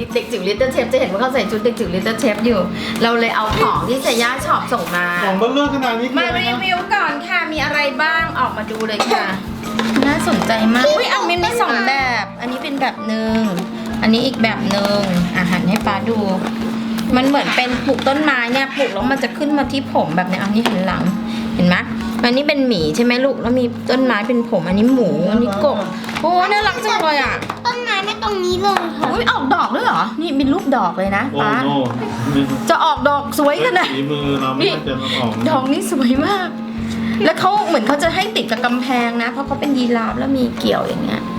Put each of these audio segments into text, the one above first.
เด็กจิ๋วลิตเติ้ลเชฟจะเห็นว่าเขาใส่ชุดเด็กจิ๋วลิตเติ้ลเชฟอยู่เราเลยเอาของที่เซย่าช็อปส่งมาของเบลเลอร์ขนาดนี้คือมาอะไรรีนะวิวก่อนค่ะมีอะไรบ้างออกมาดูเลยค่ะน่าสนใจมากอุ้ยเอามีสองแบบอันนี้เป็นแบบหนึ่งอันนี้อีกแบบหนึ่งหันให้ป้าดู มันเหมือนเป็นปลูกต้นไม้เนี่ยปลูกแล้วมันจะขึ้นมาที่ผมแบบเนี้ยอันนี้หันหลังเห็นไหมอันนี้เป็นหมีใช่ไหมลูกแล้วมีต้นไม้เป็นผมอันนี้หมูอันนี้กบโอ้น่ารักจังเลยอ่ะต้นไม้ไม่ตรงนี้เลยค่ะอุ้ยออกดอกด้วยเหรอนี่เป็นรูปดอกเลยนะโอ้ป้าโหจะออกดอกสวยขนาดฝีมือเราไม่น่าจะมาออกดอกนี้สวยมาก แล้วเขาเหมือนเขาจะให้ติดกับกำแพงนะ เพราะเขาเป็นยีราฟแล้วมีเกี่ยวอย่างเงี้ย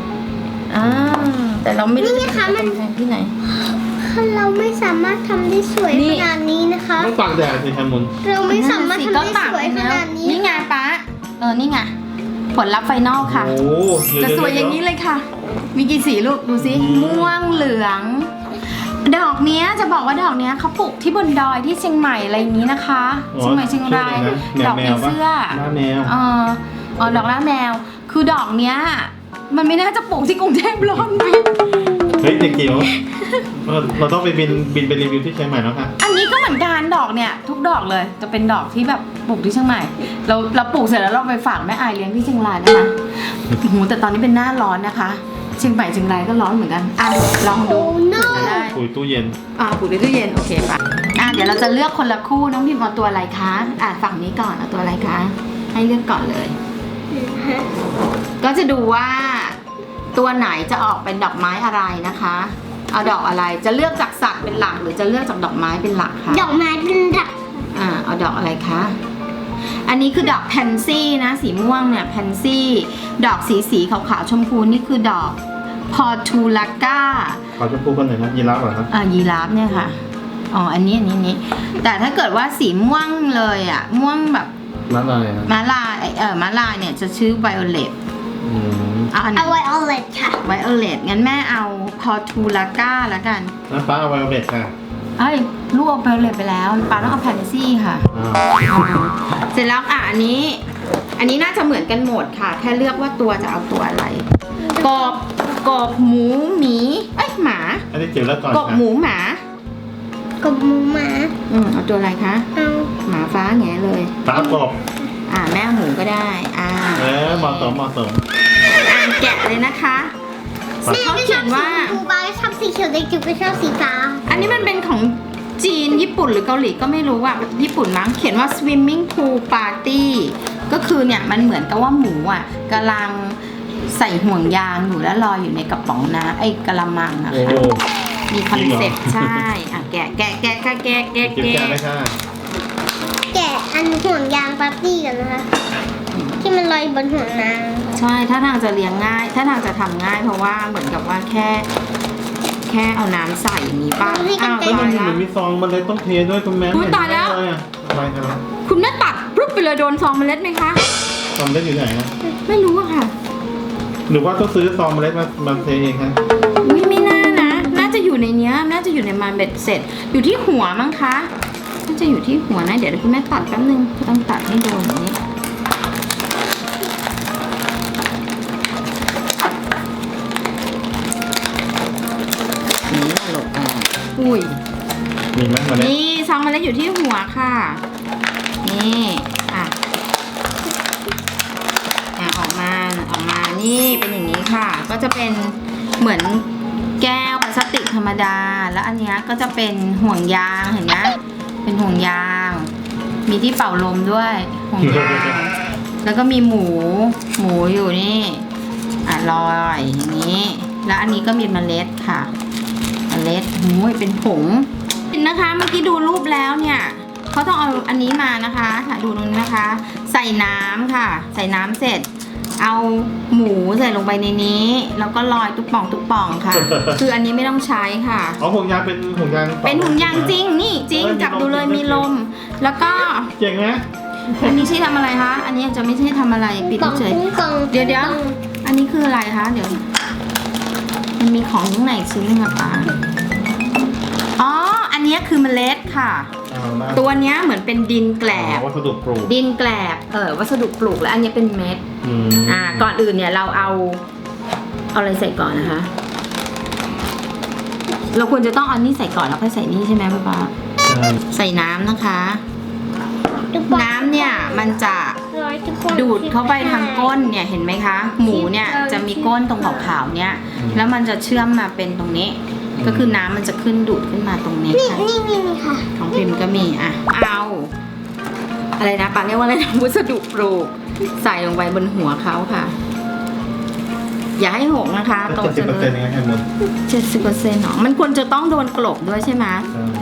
แต่เราไม่รู้จะติดกับกำแพงที่ไหนเราไม่สามารถทำได้สวยนี่ขนาดนี้นะคะต้องตากแดดสิแคมุนเราไม่สามารถทำได้สวยขนาดนี้นี่ไงป้านี่ไงผลลัพธ์ไฟนอลค่ะโอ้จะสวยอย่างนี้เลยค่ะ มีกี่สีลูกดูสิม่วงเหลือง ดอกเนี้ยจะบอกว่าดอกเนี้ยเขาปลูกที่บนดอยที่เชียงใหม่อะไรอย่างนี้นะคะเชียงใหม่เชียงรายดอกผีเสื้อหน้าแมวดอกล่าแมวคือดอกเนี้ยมันไม่น่าจะปลูกที่กรุงเทพร้อนไหมเฮ้ยเด็กจิ๋วเราต้องไปบินไปรีวิวที่เชียงใหม่แล้วค่ะอันนี้ก็เหมือนกันดอกเนี่ยทุกดอกเลยจะเป็นดอกที่แบบปลูกที่เชียงใหม่เราปลูกเสร็จแล้วเราไปฝากแม่อายเลี้ยงที่เชียงรายนะคะโอ้โหแต่ตอนนี้เป็นหน้าร้อนนะคะเชียงใหม่เชียงรายก็ร้อนเหมือนกันลองดูจะได้ปุ๋ยตู้เย็นปลูกในตู้เย็นโอเคป่ะเดี๋ยวเราจะเลือกคนละคู่น้องพิมพ์เอาตัวอะไรคะฝั่งนี้ก่อนเอาตัวอะไรคะให้เลือกก่อนเลย ก็จะดูว่าตัวไหนจะออกเป็นดอกไม้อะไรนะคะเอาดอกอะไรจะเลือกจากสัตว์เป็นหลักหรือจะเลือกจากดอกไม้เป็นหลักคะดอกไม้เป็นดักเอาดอกอะไรคะอันนี้คือดอกแพนซี่นะสีม่วงเนี่ยแพนซี่ดอกสีขาวๆชมพูนี่คือดอกพอทูลาก้าขอจะพูดกันหน่อยนะยีราฟเหรอครับยีราฟเนี่ยค่ะอันนี้แต่ถ้าเกิดว่าสีม่วงเลยม่วงแบบร้านอะไรนะม้าลายม้าลายเนี่ยจะชื่อไวโอเลตอันนี้เอาไว้เอาเลยค่ะไวโอเลตงั้นแม่เอาพอทูลาก้าแล้วกันน้ำป้าเอาไวโอเลตค่ะลูกเอาไวโอเลตไปแล้วป้าต้องเอาแพนซี่ค่ะเสร็จแล้วอันนี้น่าจะเหมือนกันหมดค่ะแค่เลือกว่าตัวจะเอาตัวอะไรกบหมูหมีหมาอันนี้จิ๋วแล้วก่อนกบหมูหมากับหมูหมาเอาตัวอะไรคะเอาหมาฟ้าแง่เลยป้ากบแม่หมูก็ได้เหมาะสมแกะเลยนะคะแม่เขาก็ชเขีอย บนสีว่าชมพูบ้าชอบสีเขียวเด็กจิ๋วก็ชอบสีฟ้าอันนี้มันเป็นของจีนญี่ปุ่นหรือเกาหลีก็ไม่รู้ญี่ปุ่นมั้งเขียนว่า swimming pool party ก็คือเนี่ยมันเหมือนกับว่าหมูกำลังใส่ห่วงยางอยู่แล้วลอยอยู่ในกระป๋องน้ำกระมังอะโอ้ค่ะมีคอนเซ็ปต์ใช่แกะจิ๋วแกะได้ค่ะแกะอันห่วงยางปาร์ตี้กันนะคะ ที่มันลอยบนห่วงนางใช่ถ้าทางจะเลี้ยงง่ายถ้าทางจะทำง่ายเพราะว่าเหมือนกับว่าแค่เอาน้ำใส่อย่างนี้ป่ะเฮ้ยมันมีซองมันเลยต้องเทด้วยคุณแม่ตายแล้วอะไรกันคุณแม่ตัดปุ๊บไปเลยโดนซองเมล็ดไหมคะซองเล็ดอยู่ไหนนะไม่รู้อะค่ะหรือว่าต้องซื้อซองเมล็ดมาเทเองคะไม่น่านะน่าจะอยู่ในเนี้ยน่าจะอยู่ในมันเบ็ดเสร็จอยู่ที่หัวมั้งคะน่าจะอยู่ที่หัวนะเดี๋ยวคุณแม่ตัดแป๊บนึงต้องตัดให้โดนอย่างนี้หลบอุ้ยมีไหมมาเล็ดนี่ซองเมล็ดอยู่ที่หัวค่ะนี่ออกมานี่เป็นอย่างนี้ค่ะก็จะเป็นเหมือนแก้วพลาสติกธรรมดาแล้วอันเนี้ยก็จะเป็นห่วงยางเห็นไหมเป็นห่วงยางมีที่เป่าลมด้วยห่วงยางแล้วก็มีหมูอยู่นี่ลอยอย่างนี้แล้วอันนี้ก็มีเมล็ดค่ะเมล็ดเป็นผงนะคะเมื่อกี้ดูรูปแล้วเนี่ยเขาต้องเอาอันนี้มานะคะดูตรงนี้นะคะใส่น้ำค่ะใส่น้ำเสร็จเอาหมูใส่ลงไปในนี้แล้วก็ลอยตุ๊บป่องค่ะ คืออันนี้ไม่ต้องใช้ค่ะห่วงยางเป็นห่วงยางเป็นห่วงยางจริงนี่จริงจับดูเลยมีลมแล้วก็เจ๋งไหมอันนี้ใช้ทำอะไรคะอันนี้จะไม่ใช่ทำอะไรปิดเฉยเดี๋ยวอันนี้คืออะไรคะเดี๋ยวมันมีของข้างในชิ้นนึงอะป้าอันนี้คือเมล็ดค่ะตัวเนี้ยเหมือนเป็นดินแกลบวัสดุปลูกดินแกลบวัสดุปลูกแล้วอันนี้เป็นเม็ดก่อนอื่นเนี่ยเราเอาอะไรใส่ก่อนนะคะเราควรจะต้องเอานี่ใส่ก่อนแล้วค่อยใส่นี่ใช่ไหมป๊าใช่ใส่น้ำนะคะ น้ำเนี่ยมันจะดูดเข้าไปทางก้นเนี่ยเห็นไหมคะ หมูเนี่ยจะมีก้นตรงขาวๆเนี่ยแล้วมันจะเชื่อมมาเป็นตรงนี้ ก็คือน้ำมันจะขึ้นดูดขึ้นมาตรงนี้นี่ค่ะนี่ค่ะของพิมพ์ก็มีอ่ะเอาอะไรนะปาเรียกว่าอะไรนะวัสดุปลูกใส่ลงไปบนหัวเขาค่ะ อย่าให้หกนะคะโต 70% จะเองไงหมด 70%หรอมันควรจะต้องโดนกลบด้วยใช่ไหม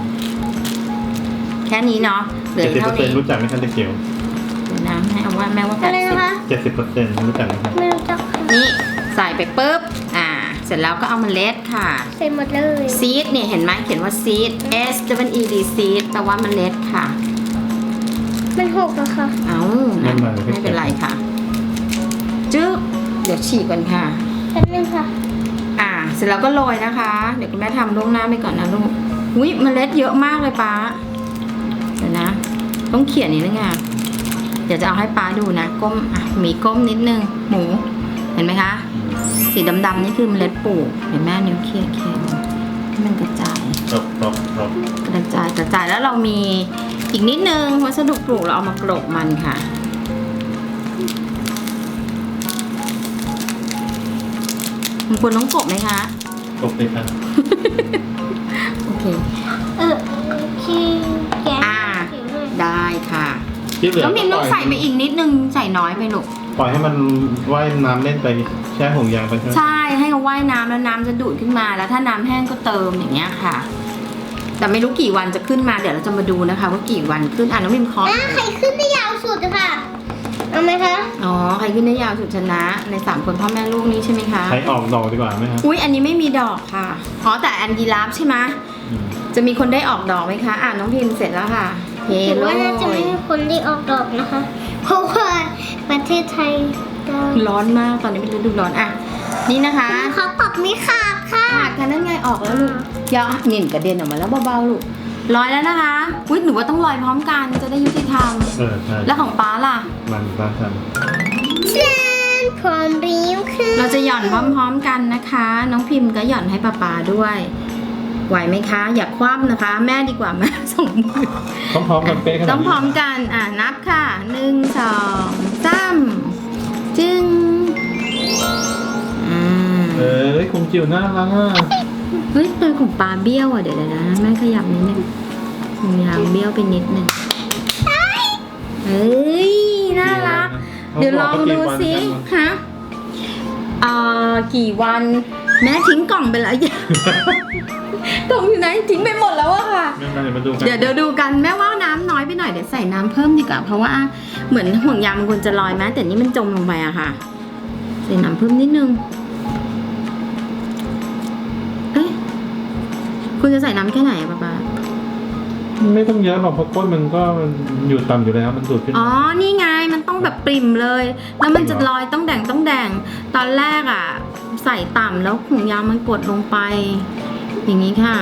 แค่นี้เนาะเหลือเท่านี้ 70%รู้จักไหมคะเด็กเกียวเดี๋ยวนะให้เอาว่าแม่ว่าอะไรนะคะ 70%รู้จักไหมครับไม่รู้จักค่ะนี่ใส่ไปปุ๊บเสร็จแล้วก็เอาเมล็ดค่ะใส่หมดเลยซีดเนี่ยเห็นไหมเขียนว่าซีด S W E D ซีดแปลว่าเมล็ดค่ะมันหกแล้วค่ะเอานะไม่เป็นไรค่ะจึ๊บเดี๋ยวฉีกก่อนค่ะแป๊บนึงค่ะเสร็จแล้วก็โรยนะคะ เดี๋ยวคุณแม่ทำล่วงหน้าไปก่อนนะลูกอุ้ยเมล็ดเยอะมากเลยป้าเดี๋ยวนะ ต้องเขียนนิดนึงอ่ะเดี๋ยวจะเอาให้ป้าดูนะก้มมีก้มนิดนึงหมูเห็นไหมคะสีดำๆนี่คือเมล็ดปลูกเห็นแม่นิ้วเคี่ยให้มันกระจายจบกระจายแล้วเรามีอีกนิดนึงวัสดุปลูกเราเอามากรบมันค่ะมันควรต้องกบไหมคะจบเลยครับโอเคคือแกะได้ค่ะที่เหลือน้องพิมพ์ต้องใส่ไปอีกนิดนึงใส่น้อยไปลูกปล่อยให้มันว่ายน้ำเล่นไปแช่ห่วงยางไปใช่ไหมใช่ให้เขาว่ายน้ำแล้วน้ำจะดูดขึ้นมาแล้วถ้าน้ำแห้งก็เติมอย่างเงี้ยค่ะ แต่ไม่รู้กี่วันจะขึ้นมาเดี๋ยวเราจะมาดูนะคะ ว่ากี่วันขึ้นน้องพิมพ์เคาะใครขึ้นได้ยาวสุดอะค่ะ เอาไหมคะอ๋อใครขึ้นได้ยาวสุดชนะใน3คนพ่อแม่ลูกนี้ใช่ไหมคะใช้ออกดอกดีกว่าไหมครับอุ๊ยอันนี้ไม่มีดอกค่ะอ๋อแต่อันยีราฟใช่ไหมอืมจะมีคนได้ออกดอกไหมคะน้องพิมพ์เสร็จแล้วค่ะเฮถือโลว่าน่าจะไม่มีคนได้ออกดอกนะคะ เพราะว่าประเทศไทยก็ร้อนมากตอนนี้เป็นฤดูร้อนนี่นะคะเขาปรับไม่ขาดค่ะขาดค่ะนั่นไงออกแล้วลูกอย่าหนิ่นกระเด็นออกมาแล้วเบาๆลูกลอยแล้วนะคะอุ๊ยหนูว่าต้องลอยพร้อมกันจะได้ยุติธรรมใช่แล้วของป๊าล่ะมันบ้านทเชนพร้อมบิวคือเราจะหย่อนพร้อมๆกันนะคะ น้องพิมพ์ก็หย่อนให้ป๊าๆด้วย ไหวไหมคะ อย่าคว่ำนะคะ แม่ดีกว่าแม่ส่งมือำต้องพร้อมกันเป๊ะขนาดนี้ต้องพร้อมกันนับค่ะ1 2 3จึงคงจิ๋วน่ารักอ่ะเฮ้ยตัวของปลาเบี้ยวเดี๋ยวนะแม่ขยับนิดนึงยางเบี้ยวไปนิดนึงเฮ้ยน่ารัก เดี๋ยวลองดูสิฮะกี่วันแม่ทิ้งกล่องไปแล้วยัง กล่องอยู่ไหนทิ้งไปหมดแล้วอะค่ะไม่เป็นไรมาดูกันเดี๋ยวดูกันแม่ว่าน้ำน้อยไปหน่อยเดี๋ยวใส่น้ำเพิ่มดีกว่าเพราะว่าเหมือนห่วงยางมันควรจะลอยไหมแต่นี่มันจมลงไปอะค่ะใส่น้ำเพิ่มนิดนึงเอ๊ะคุณจะใส่น้ำแค่ไหนอะป๊าไม่ต้องเยอะหรอกเพราะก้นมันก็อยู่ต่ำอยู่แล้วมันดูดขึ้นอ๋อนี่ไงมันต้องแบบปริ่มเลย แล้วมันจะลอยต้องแดงตอนแรกอะใส่ต่ำแล้วห่วงยางมันกดลงไป อย่างนี้ค่ะ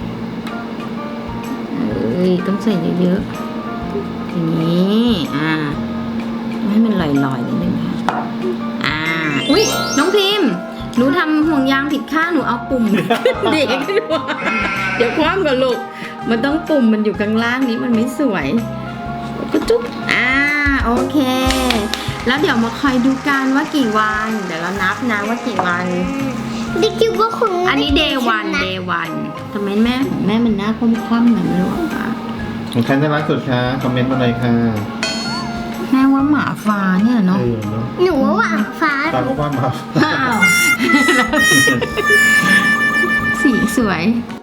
ต้องใส่เยอะๆอย่างนี้ให้มันลอยๆนิดนึงค่ะอุ๊ยน้องพิมพ์หนูทำห่วงยางผิดข้างหนูเอาปุ่ม เด็กขึ้นมาเดี๋ยวคว่ำกับลูกมันต้องปุ่มมันอยู่ข้างล่างนี้มันไม่สวยก็จุ๊บโอเค แล้วเดี๋ยวมาคอยดูกันว่ากี่วันเดี๋ยวเรานับนะว่ากี่วันดิคิวก็คงอันนี้ day 1 ทำไมแม่ของแม่มันหน้าคว่ำๆแบบนี้หรอคะของใครน่ารักสุดคะคอมเมนต์มาเลยค่ะแม่ว่าหมาฟ้าเนี่ยเนาะเนาะหนูว่าหวานฟ้าตามว่ามาอ้าว สีสวย